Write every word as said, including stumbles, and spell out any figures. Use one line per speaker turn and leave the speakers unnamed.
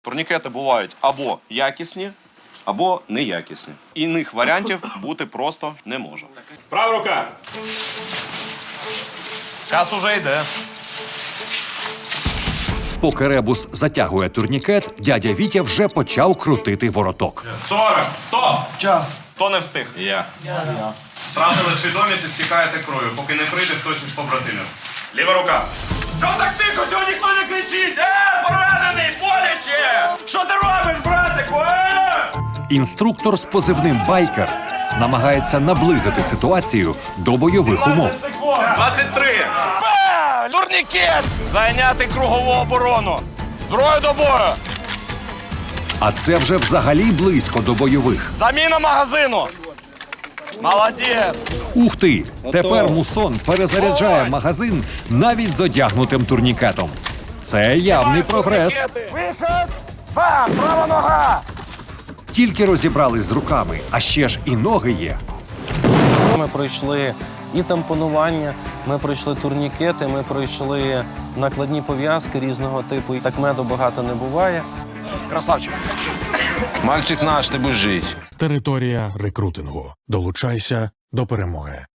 Турнікети бувають або якісні, або неякісні. Іних варіантів бути просто не може. Права рука. Час уже йде.
Поки ребус затягує турнікет, дядя Вітя вже почав крутити вороток.
сорок. Стоп.
Час.
Хто не встиг? Я. Я. Втратили свідомість і стікаєте кров'ю, поки не прийде хтось із побратимів. Ліва рука. Що так тихо, що ніхто не кричить? Е, поранений, боляче! Що ти робиш, братику? Е!
Інструктор з позивним «Байкер» намагається наблизити ситуацію до бойових умов.
двадцять три. Ба! Турнікет! Зайняти кругову оборону. Зброю до бою.
А це вже взагалі близько до бойових.
Заміна магазину. Молодець.
Ух ти! Тепер мусон перезаряджає магазин навіть з одягнутим турнікетом. Це явний прогрес.
Вихід. Бам! Права нога.
Тільки розібрались з руками, а ще ж і ноги є.
Ми пройшли і тампонування, ми пройшли турнікети, ми пройшли накладні пов'язки різного типу. І так меду багато не буває.
Красавчик.
Мальчик наш, ти будеш жити.
Територія рекрутингу. Долучайся до перемоги.